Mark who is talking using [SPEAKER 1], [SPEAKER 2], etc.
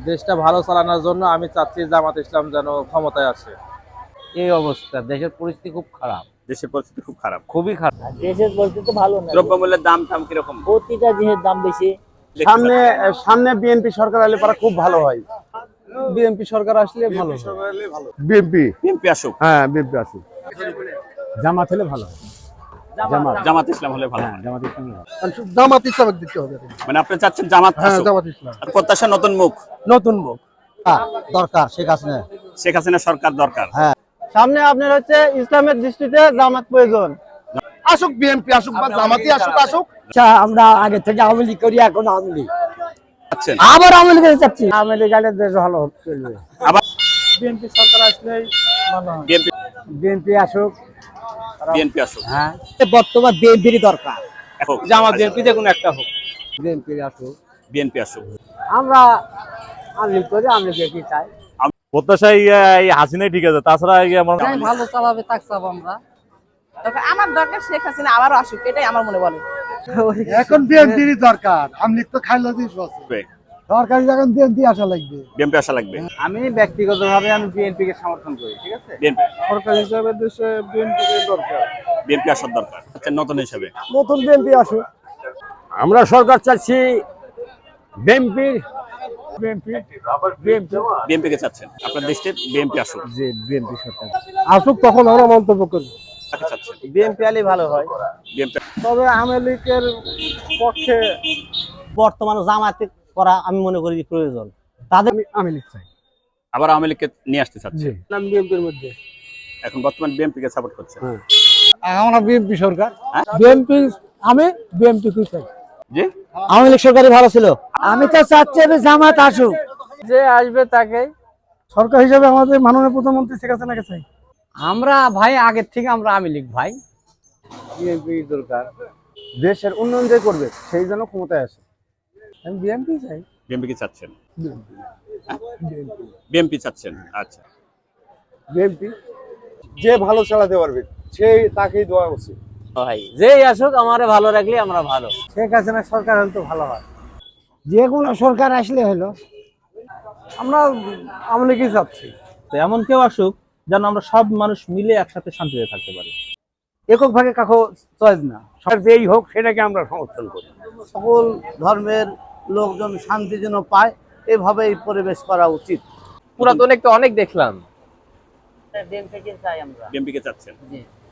[SPEAKER 1] দেশটা ভালো চালানোর জন্য আমি চাচ্ছি জামাত ইসলাম যেন ক্ষমতায় আসে।
[SPEAKER 2] এই অবস্থা, দেশের পরিস্থিতি খুব খারাপ,
[SPEAKER 3] দেশের পরিস্থিতি খুব খারাপ।
[SPEAKER 2] খুবই খারাপ।
[SPEAKER 4] দেশের পরিস্থিতি তো ভালো না,
[SPEAKER 3] দ্রব্যমূল্যের দাম টাম কিরকম?
[SPEAKER 4] প্রতিটা জিনিসের দাম বেশি।
[SPEAKER 5] সামনে সামনে বিএনপি সরকার আসলে পারা খুব ভালো হয়। বিএনপি সরকার আসলে ভালো। বিএনপি
[SPEAKER 3] বিএনপি আসুক,
[SPEAKER 5] হ্যাঁ বিএনপি আসুক। জামাত হলে ভালো।
[SPEAKER 3] জামাত ইসলাম হলে ভালো হয়।
[SPEAKER 5] জামাত ইসলাম
[SPEAKER 6] জামাত ইসলামকে দিতে হবে।
[SPEAKER 3] মানে আপনি চাচ্ছেন জামাত আসুক,
[SPEAKER 6] জামাত ইসলাম
[SPEAKER 3] আর প্রত্যাশা নতুন মুখ।
[SPEAKER 6] নতুন মুখ
[SPEAKER 5] দরকার শেখ হাসিনা।
[SPEAKER 3] শেখ হাসিনা সরকার দরকার।
[SPEAKER 6] সামনে আপনার হচ্ছে ইসলামের দৃষ্টিতে জামাত প্রয়োজন। আসুক বিএনপি আসুক বা জামাতই আসুক আসুক।
[SPEAKER 4] আমরা আগে থেকে আওয়ামী লীগ করি, এখন আওয়ামী লীগ
[SPEAKER 3] চাচ্ছেন
[SPEAKER 4] আবার আওয়ামী লীগ চাচ্ছি। আওয়ামী লীগ আলে দেশ ভালো চলবে।
[SPEAKER 3] আবার
[SPEAKER 6] বিএনপি সরকার আসলেই ভালো হয়।
[SPEAKER 3] বিএনপি
[SPEAKER 4] বিএনপি আসুক।
[SPEAKER 3] বিএনপি আসুক
[SPEAKER 4] হ্যাঁ, বর্তমান বিএনপির দরকার।
[SPEAKER 3] এখন
[SPEAKER 1] জামাত বিএনপি যে কোনো একটা হোক।
[SPEAKER 4] বিএনপি আসুক।
[SPEAKER 3] বিএনপি আসুক।
[SPEAKER 4] আমরা আওয়ামী লীগ করি, আওয়ামী লীগ কি চাই।
[SPEAKER 7] প্রত্যাশা এই হাসিনাই ঠিক আছে, তাছাড়া
[SPEAKER 4] ভালো চালাবে তাক চাব আমরা।
[SPEAKER 8] আমার দরকার শেখ হাসিনা আবারও আসুক, এটাই আমার মনে বলে।
[SPEAKER 6] এখন বিএনপির দরকার। আওয়ামী লীগ তো খাইলো দিস সরকারি যখন বিএনপি আসা লাগবে।
[SPEAKER 3] বিএনপি আসা লাগবে।
[SPEAKER 2] আমি ব্যক্তিগতভাবে আমি বিএনপি কে সমর্থন করি, ঠিক আছে।
[SPEAKER 3] বিএনপি
[SPEAKER 6] সরকার হিসাবে দেশে বিএনপি দরকার।
[SPEAKER 3] বিএনপি আসার দরকার। আচ্ছা, নতুন হিসেবে
[SPEAKER 6] নতুন বিএনপি আসুক।
[SPEAKER 5] আমরা সরকার চাচ্ছি বিএনপি।
[SPEAKER 3] বিএনপি কে চাচ্ছেন, আপনার দৃষ্টিতে বিএনপি আসুক।
[SPEAKER 5] যে বিএনপি সরকার
[SPEAKER 6] আসুক তখন আমরা মন্তব্য করি।
[SPEAKER 3] কাকে চাচ্ছেন?
[SPEAKER 2] বিএনপি আলী ভালো হয়।
[SPEAKER 3] বিএনপি
[SPEAKER 6] তবে আওয়ামী লীগের পক্ষে
[SPEAKER 4] বর্তমানে জামাতে করা আমি মনে করি প্রয়োজন। তাদের
[SPEAKER 6] আমি লীগ চাই।
[SPEAKER 3] আবার আওয়ামী লীগকে নিয়ে আসতে চাচ্ছেন।
[SPEAKER 6] বিএনপির মধ্যে
[SPEAKER 3] এখন বর্তমান বিএনপি কে সাপোর্ট করছেন।
[SPEAKER 6] আমরা বিএনপি সরকার।
[SPEAKER 3] হ্যাঁ?
[SPEAKER 6] বিএনপি আমি বিএনপি কি চাই।
[SPEAKER 3] জি,
[SPEAKER 4] আওয়ামী লীগ সরকারই ভালো ছিল। আমি তো চাচ্ছি জামাত আসুক।
[SPEAKER 6] যে আসবে তাকে সরকার হিসেবে আমাদের মাননীয় প্রধানমন্ত্রী শেখ হাসিনাকে চাই।
[SPEAKER 2] আমরা ভাই আগের থেকে আমরা আওয়ামী লীগ ভাই।
[SPEAKER 5] বিএনপি দরকার। দেশের উন্নয়ন যে করবে সেই জন্য ক্ষমতায় আসে।
[SPEAKER 6] আমি বিএনপি চাই।
[SPEAKER 3] বিএনপি কে চাচ্ছেন। বিএনপি চাচ্ছেন। আচ্ছা,
[SPEAKER 5] বিএনপি যে ভালো চালাতে পারবে সেই তাকেই দেওয়া উচিত।
[SPEAKER 2] ভাই যেই আসুক, আমারে ভালো রাখলে আমরা ভালো।
[SPEAKER 6] শেখ হাসিনা সরকার হলে তো ভালো হয়।
[SPEAKER 4] যে কোনো সরকার আসলে হলো।
[SPEAKER 6] আমরা আওয়ামী লীগই চাচ্ছি।
[SPEAKER 1] তো এমন কেউ আসুক যেন আমরা সব মানুষ মিলে একসাথে শান্তিতে থাকতে পারি।
[SPEAKER 5] একক ভাগে কাকো চয়েস না, সরকার যেই হোক সেটাকে আমরা সমর্থন করি।
[SPEAKER 4] সকল ধর্মের লোকজন শান্তি যেন পায়, এভাবেই পরিবেশ করা উচিত।
[SPEAKER 1] পুরাতন একটা অনেক দেখলাম।
[SPEAKER 4] বিএনপি চাই আমরা।
[SPEAKER 3] বিএনপি কে চাচ্ছেন।